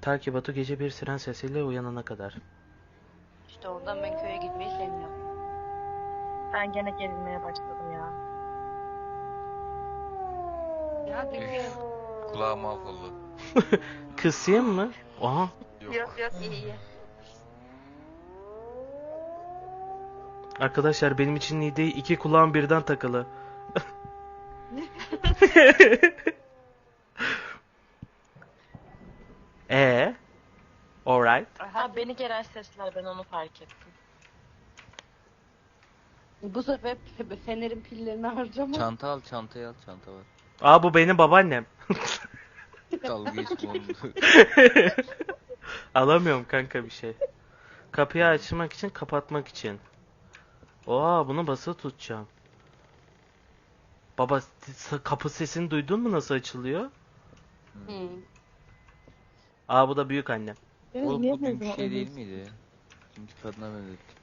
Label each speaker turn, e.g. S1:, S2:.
S1: Ta ki Batu gece bir siren sesiyle uyanana kadar.
S2: İşte oradan ben köye gitmeyi sevmiyorum.
S3: Ben gene gerilmeye başladım ya.
S2: Ya
S4: Üf, kulağım mahvoldu.
S1: Kısayım mı? Aha.
S4: Yok.
S2: yok iyi iyi.
S1: Arkadaşlar benim için iyi değil. İki kulağım birden takılı. Alright.
S3: Ha beni gelen sesler, ben onu fark ettim.
S2: Bu sefer fenerin pillerini harcama.
S4: Çanta al, çantayı al, çanta var.
S1: Aa, bu benim babaannem.
S4: Dalga geçme onu.
S1: Alamıyorum kanka bir şey. Kapıyı açmak için, kapatmak için. Oha, bunu basılı tutacağım. Baba, kapı sesini duydun mu nasıl açılıyor?
S2: Hı.
S1: Aa, bu da büyük annem.
S4: Oğlum bu dünkü şey değil miydi? Dünkü kadına benzetti.